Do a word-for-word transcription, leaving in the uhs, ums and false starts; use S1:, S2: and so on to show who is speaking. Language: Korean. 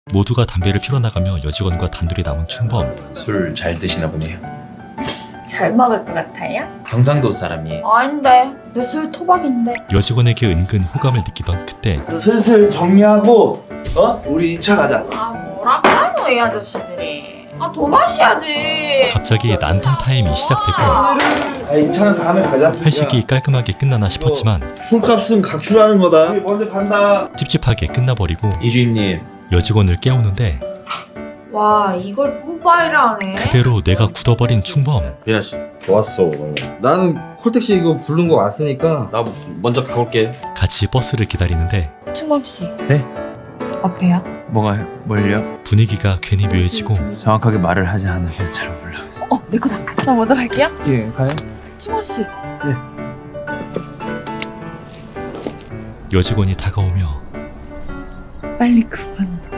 S1: 모두가 담배를 피러 나가며 여직원과 단둘이 남은 충범.
S2: 술 잘 드시나 보네요.
S3: 잘 먹을 것 같아요?
S2: 경상도 사람이에요.
S3: 아닌데 내 술 토박인데.
S1: 여직원에게 은근 호감을 느끼던 그때
S4: 슬슬 정리하고 어? 우리 이 차 가자.
S3: 아 뭐라고 하노 이 아저씨들이. 아 더 마셔야지.
S1: 갑자기 난동 타임이 시작되고
S4: 아, 이 차는 다음에 가자.
S1: 회식이 깔끔하게 끝나나 싶었지만
S4: 야, 술값은 각출하는 거다. 우리 먼저 간다.
S1: 찝찝하게 끝나버리고
S2: 이주임님,
S1: 여직원을 깨우는데
S3: 와 이걸 뿜빠이를 하네.
S1: 그대로 뇌가 굳어버린 충범.
S2: 미나씨,
S5: 좋았어. 나는 콜택시 이거 부른 거 왔으니까
S2: 나 먼저 가볼게.
S1: 같이 버스를 기다리는데
S3: 충범 씨.
S6: 네?
S3: 어때요?
S6: 뭐가요? 뭘요?
S1: 분위기가 괜히 묘해지고
S6: 정확하게 말을 하지 않으면 잘 몰라.
S3: 어 내 거다. 나 먼저 갈게요.
S6: 예, 가요?
S3: 충범 씨.
S1: 여직원이 다가오며
S3: 빨리 그만.